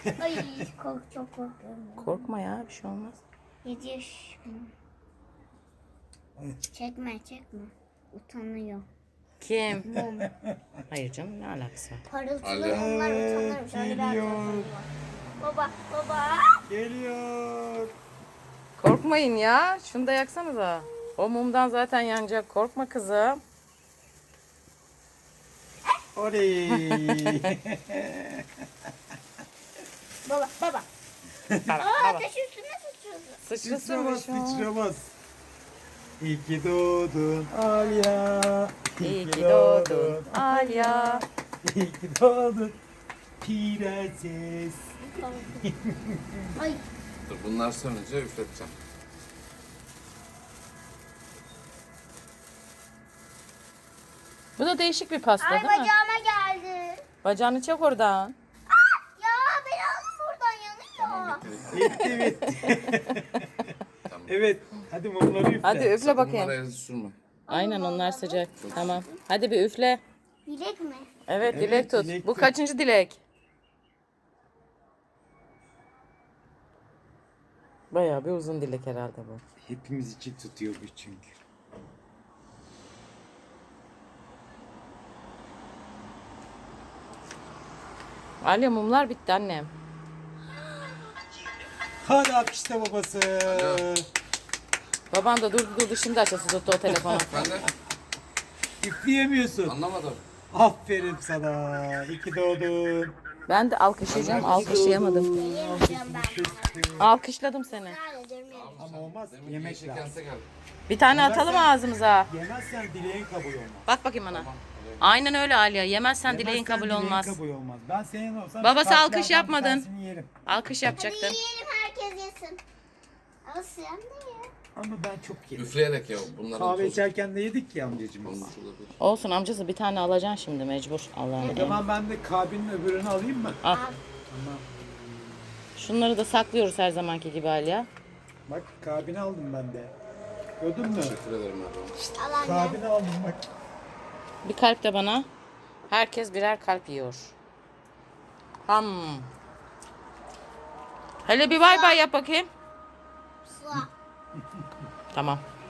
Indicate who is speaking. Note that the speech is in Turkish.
Speaker 1: Ay çok korkuyorum.
Speaker 2: Korkma ya, bir şey olmaz.
Speaker 1: 7 yaş. Çekme. Utanıyor.
Speaker 2: Kim?
Speaker 1: Mum.
Speaker 2: Hayır canım, ne alakası var?
Speaker 1: Parıltılı
Speaker 3: Alo.
Speaker 1: mumlar utanırmış. Öyle bir
Speaker 3: Geliyor.
Speaker 1: arkadaşım var. Baba.
Speaker 3: Geliyor.
Speaker 2: Korkmayın ya. Şunu da yaksanıza. O mumdan zaten yanacak. Korkma kızım.
Speaker 3: Oley.
Speaker 1: Baba.
Speaker 2: Baba.
Speaker 1: Ateş üstüne sıçrıyordu.
Speaker 2: Sıçrasın bir
Speaker 3: Sıçramaz,
Speaker 2: şey olmaz.
Speaker 3: sıçramaz. İyi ki doğdun Alya.
Speaker 2: İyi ki doğdun Alya.
Speaker 3: İyi ki doğdun prenses.
Speaker 1: Ay.
Speaker 4: Dur bunlar sönünce üfleteceğim.
Speaker 2: Bu da değişik bir pasta
Speaker 1: Ay
Speaker 2: değil mi?
Speaker 1: bacağıma geldi.
Speaker 2: Bacağını çek oradan.
Speaker 1: Ya beni alın buradan yanıyor.
Speaker 3: Bitti. Evet. Hadi mumları üfle.
Speaker 2: Hadi üfle bakayım.
Speaker 4: Bunlara el sürme.
Speaker 2: Aynen, onlar sıcak. Tamam. Hadi bir üfle.
Speaker 1: Dilek mi?
Speaker 2: Evet,
Speaker 3: Evet,
Speaker 2: dilek tut.
Speaker 3: dilek
Speaker 2: Bu
Speaker 3: tut.
Speaker 2: kaçıncı dilek? Bayağı bir uzun dilek herhalde bu.
Speaker 3: Hepimiz için tutuyor bu çünkü.
Speaker 2: Alya, mumlar bitti annem.
Speaker 3: Hadi alkışla babası.
Speaker 2: Baban da durdu şimdi açası tuttu o telefonu.
Speaker 4: Ben de
Speaker 3: Üfleyemiyorsun.
Speaker 4: anlamadım.
Speaker 3: Aferin sana. İyi ki doğdun.
Speaker 2: Ben de alkışlayacağım, alkışlayamadım.
Speaker 1: Yemeyeceğim ben.
Speaker 2: Alkışladım seni.
Speaker 1: Sadece
Speaker 3: Ama olmaz.
Speaker 4: Demin ki
Speaker 3: Yemek
Speaker 4: yeşil
Speaker 3: lazım.
Speaker 4: kense geldi.
Speaker 2: Bir tane atalım ağzımıza.
Speaker 3: Yemezsen dileğin kabul olmaz.
Speaker 2: Bak bakayım bana. Aynen öyle Alya. Yemezsen dileğin
Speaker 3: Yemezsen
Speaker 2: kabul
Speaker 3: dileğin
Speaker 2: olmaz.
Speaker 3: kabul olmaz. Ben senin olsam
Speaker 2: Babası
Speaker 3: şu
Speaker 2: alkış
Speaker 3: kartlardan
Speaker 2: yapmadın.
Speaker 3: bir tanesini yerim.
Speaker 2: Alkış yapacaktın.
Speaker 1: Yiyelim herkes yesin. Ama sen de ye.
Speaker 3: Ama ben çok yerim.
Speaker 4: Üfleyerek ya. Bunların
Speaker 3: Kahve
Speaker 4: tozu.
Speaker 3: içerken de yedik ya amcacığım.
Speaker 4: Bunun
Speaker 3: biz.
Speaker 4: olabilir.
Speaker 2: Olsun amcası, bir tane alacaksın şimdi mecbur. Allah'ın
Speaker 3: O
Speaker 2: emri.
Speaker 3: zaman ben de kabinin öbürünü alayım mı?
Speaker 2: Al.
Speaker 3: Tamam.
Speaker 2: Şunları da saklıyoruz her zamanki gibi Alya.
Speaker 3: Bak kabini aldım ben de. Gördün mü?
Speaker 4: Teşekkür ederim Erdoğan.
Speaker 1: Al anne.
Speaker 3: Kabini aldım bak.
Speaker 2: Bir kalp de bana. Herkes birer kalp yiyor. Hele bir bay bay yap bakayım.
Speaker 1: Sıla.
Speaker 2: Tamam.